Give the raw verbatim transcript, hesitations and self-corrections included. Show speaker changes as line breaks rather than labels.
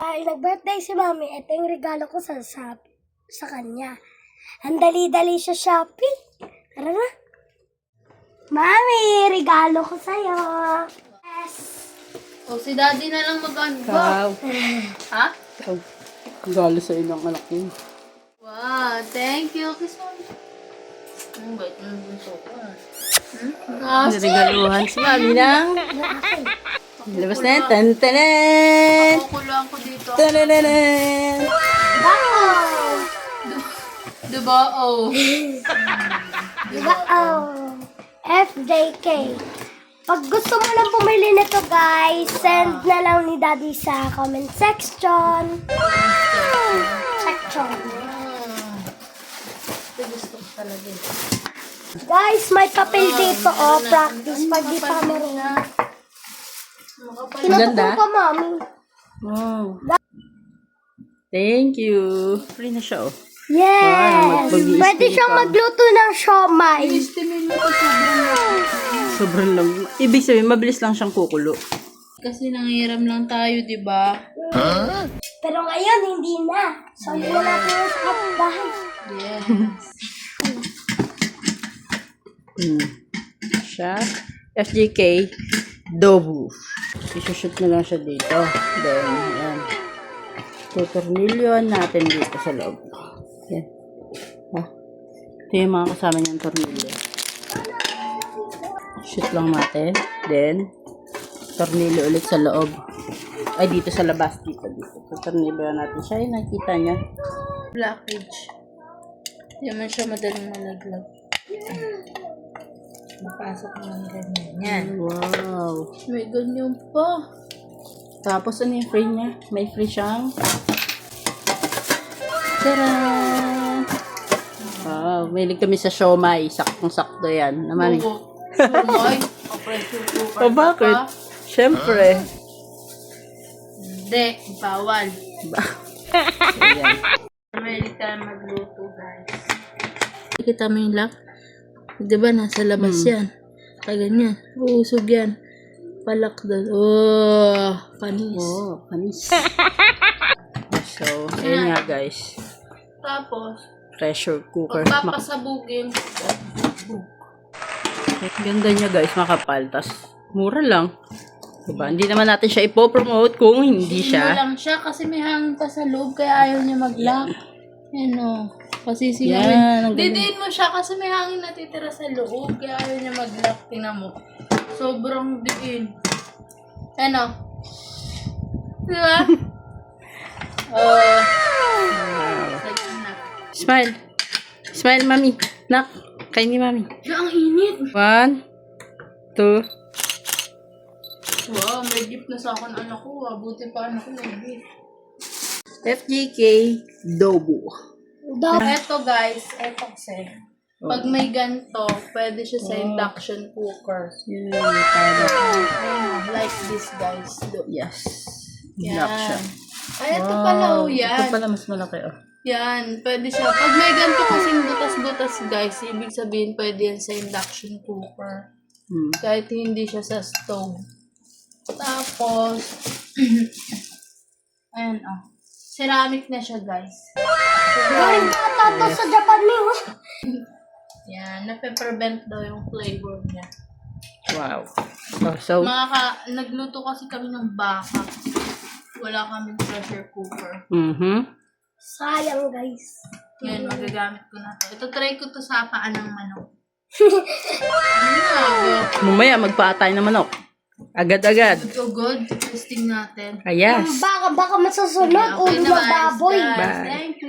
Ay, nag-birthday si Mami. Ito yung regalo ko sa, sa, sa kanya. Ang dali-dali siya shopping. Tara na. Mami, regalo ko sa'yo. Yes.
O, si Daddy na lang mag-unbox.
Wow.
Ha?
Wow. Regalo sa ilang anak yun.
Wow, thank you. Kiss mo. Ang bait mo yung bunso ko. Hmm? Kasi,
Niregaluhan si Mami ng... Labas na yan. Tan-tanan!
makukulang ko dito.
Tan-tanan!
Wow!
Diba? Oh.
Diba? Oh. F J K. Pag gusto mo lang bumili nito, guys, send na lang ni Daddy sa comment section. Section.
Ito gusto ko talaga.
Guys, may papel dito, oh, practice pag di pa marunong.
Makapal.
Tinutupong ko, Mami.
Wow. Thank you. Free na siya, oh.
Yes!
mag-mag-i-estimate
Pwede siyang
ka.
magluto ng siomay.
Estimate mo ko sobrang laki.
Sobrang lang. Ibig sabihin, mabilis lang siyang kukulo.
Kasi nangiram lang tayo, di ba?
Pero ngayon, hindi na. So, hindi na natin yung sa kapitbahay.
Yes.
Hmm. Siya. F J K. Dobu. Isushoot na lang siya dito. Then, yan. Tutornilyoan natin dito sa loob. Yan. Ha? Ito yung mga kasama niyang tornilyo. Shoot lang natin. Then, tornilyo ulit sa loob. Ay, dito sa labas. Dito, dito. Tutornilyoan natin siya. Yung nakita niya.
Blockage. Hindi naman siya madaling malaglag. Napasok ng ganyan. Yan.
Wow.
May ganyan pa.
Tapos, ano yung free niya? May free siyang... Tara! Wow, mahilig kami sa siomay. Saktong-sakto yan. Na, Mami?
Oo. Sumay. Pressure cooker.
O, bakit?
pa.
Siyempre.
Hindi. Bawal.
Ayan.
May tayo magluto, guys. Kita mo yung lock? Diba, nasa labas
Hmm.
yan. Kaya ganyan. Uusog yan. Palak doon. Oh, panis.
Oh, panis. So, ayun nga guys.
Tapos,
Pressure cooker. Mak-
pagpapasabugin.
Ganda niya guys, makapal. Tas, mura lang. Diba? Hindi naman natin siya ipopromote kung hindi
Hindi
siya.
lang siya kasi may hangin pa sa loob kaya ayaw niya mag-lock. Yan o. Kasi
Yan,
sinawin.
ang galing.
Didiin mo siya kasi may hangin natitira sa loob kaya ayaw niya mag-lock. Tingnan mo. Sobrang diin. Ano? Diba? Oh. Like na.
Smile. Smile, Mami. Nak, kain ni Mami.
Siya, ang init.
One, two,
Wow, may gift na sa akin anak ko. Ah. Buti pa anak ko may gift.
F J K Dobu.
Eto guys, eto kasi. Pag may ganito, pwede siya sa induction cooker.
Yun, para.
Ayan, like this guys. Look.
Yes.
Yan.
Induction.
Ay, ito pala oh,
Ito
yan.
pala mas malaki, oh.
Yan, pwede siya. Pag may ganito kasing butas-butas guys, ibig sabihin pwede yan sa induction cooker.
Hmm.
Kahit hindi siya sa stove. Tapos, ayan oh. Ceramic na siya guys.
Galing ka tato sa Japan mo.
Yan, nape-prevent daw yung flavor niya.
Wow. Oh, so,
Mga ka, nagluto kasi kami ng baka. Wala kaming pressure cooker.
mhm.
Sayang, guys.
Ngayon, magagamit ko na to. Ito, try ko to sa paan ng manok. Ano?
Mamaya magpaatay ng manok. Agad-agad.
Good to good. Testing natin.
Ah, yes.
Baka, baka masusunod.
Okay
Ulo
na,
na baboy.
guys.
Bye.
Thank